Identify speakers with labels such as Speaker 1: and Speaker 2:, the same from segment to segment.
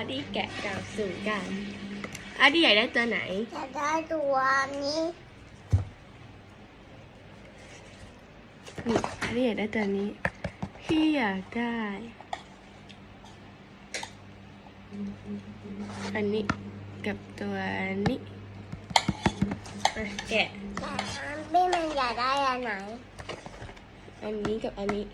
Speaker 1: ดี้แกะกล่องสุ่มกันอาร์ดี้อยากได้ตัวไหน
Speaker 2: อยากได้ตัวนี้
Speaker 1: นี่อาร์ดี้อยากได้ตัวนี้พี่อยากได้ อันนี้กับตัวนี้แกะ
Speaker 2: แต่พี่มันอยากได้อันไหน
Speaker 1: อันนี้กับอันนี้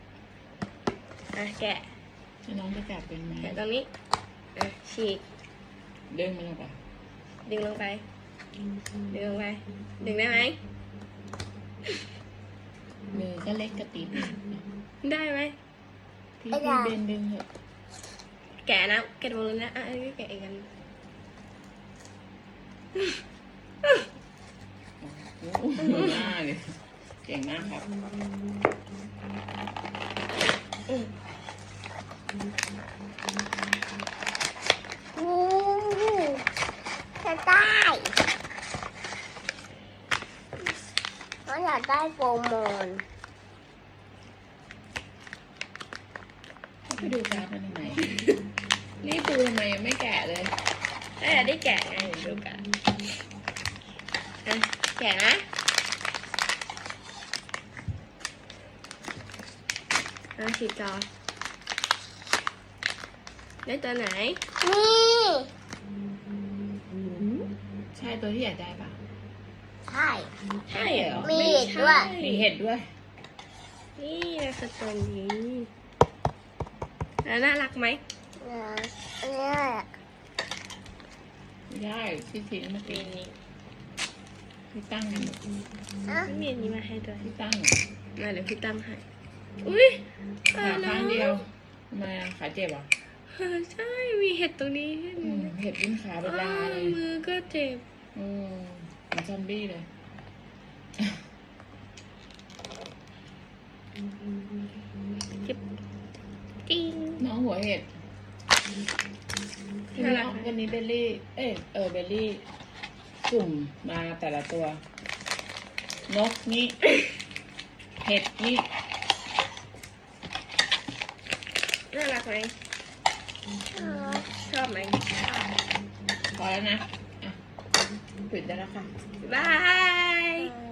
Speaker 1: แกะ
Speaker 3: น้องจะแกะเป็นไหม
Speaker 1: แกะตรงนี้ฉีก
Speaker 3: ดึงมันลงไป
Speaker 1: ดึงลงไปดึงลงไปดึงได้ไหม
Speaker 3: มือก็เล็กกระติบ
Speaker 1: ได้ไหม
Speaker 3: พี่เบนดึงเถอะ
Speaker 1: แกะนะแกะตรงนี้นะอันนี้แกะอีกอัน
Speaker 3: โอ้โหหน้าเลยเก่งมากครับ
Speaker 2: จะได้เขาอยากได้โปรโมน
Speaker 3: ไปดูการ์ดมันทำไมนี่ปูทำไมยังไม่แกะเลย
Speaker 1: ได้แกะไงดูกันแกะนะฉีกจอได้ตัวไหน
Speaker 2: นี่
Speaker 3: ใช่ตัวที่อยากได้ปะ
Speaker 2: ใช่
Speaker 3: ใช่เหรอ
Speaker 2: มีเห็ดด้วย
Speaker 3: มีเห็ดด้วย
Speaker 1: นี่คือตัวนี้น่ารักไหม
Speaker 2: อันนี้
Speaker 3: ไม่ได้ที่ทิ้งเมื่อกี้นี้พี่ตั้งกัน
Speaker 1: ไม่มีอันนี้มาให้ด้วย
Speaker 3: พี่ตั้ง
Speaker 1: เดี๋ยวพี่ตั้งให้อุ้ย
Speaker 3: ขาข้างเดียวทำไมขาเจ็บอ่ะ
Speaker 1: ใช่มีเห็ดตรงนี้
Speaker 3: เห็ดวิ่งขาเป็นลายเลย
Speaker 1: มือก็เจ็บ
Speaker 3: เหมือนซอมบี้เลย
Speaker 1: เจ็บจริง
Speaker 3: น้องหัวเห็ดวันนี้เบลลี่เบลลี่จุ่มมาแต่ละตัวนกนี่เห็ดนี่
Speaker 1: น่ารักไหมชอบไหม
Speaker 3: พอแล้วนะปิดได้แล้วค่ะ
Speaker 1: บาย